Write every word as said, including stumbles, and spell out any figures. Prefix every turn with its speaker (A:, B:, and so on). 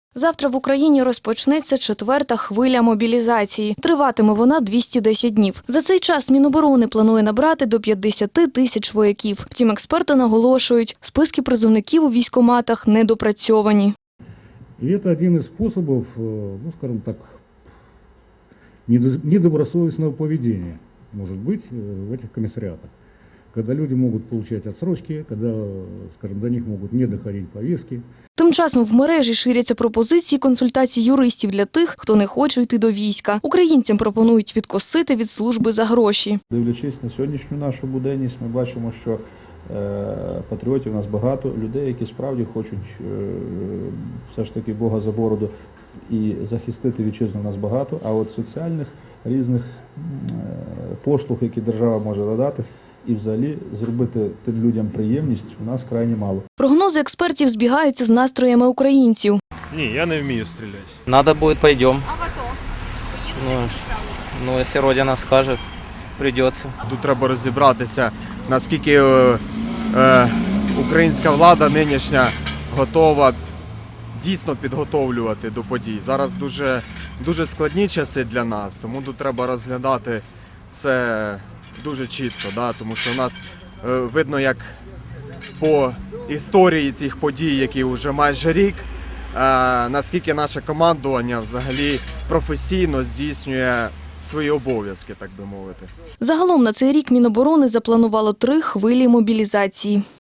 A: Завтра в Україні розпочнеться четверта хвиля мобілізації. Триватиме вона двісті десять днів. За цей час Міноборони планує набрати до п'ятдесяти тисяч вояків. Втім, експерти наголошують, списки призовників у військкоматах недопрацьовані.
B: И это один из способов, ну скажем так, недобросовестного поведения, может быть, в этих комиссариатах. Когда люди могут получать отсрочки, когда, скажем, до них могут не доходить повестки.
A: Тим часом в мережі ширяться пропозиції консультацій юристів для тих, хто не хоче йти до війська. Українцям пропонують відкосити від служби за гроші.
C: Дивлячись на сьогоднішню нашу буденність, ми бачимо, що е, патріотів у нас багато, людей, які справді хочуть е, все ж таки Бога за бороду і захистити вітчизну, у нас багато, а от соціальних різних е, послуг, які держава може надати, і взагалі зробити тим людям приємність у нас крайні мало.
A: Прогнози експертів збігаються з настроями українців.
D: Ні, я не вмію стріляти.
E: Надо будет, пойдем.
F: А в АТО?
E: Ну, ну, если Родина скажет, придется.
D: Тут треба розібратися, наскільки е, е, українська влада нинішня готова дійсно підготовлювати до подій. Зараз дуже, дуже складні часи для нас, тому тут треба розглядати все дуже чітко, да? Тому що у нас е, видно, як по історії цих подій, які вже майже рік, е, наскільки наше командування взагалі професійно здійснює свої обов'язки, так би мовити.
A: Загалом на цей рік Міноборони запланувало три хвилі мобілізації.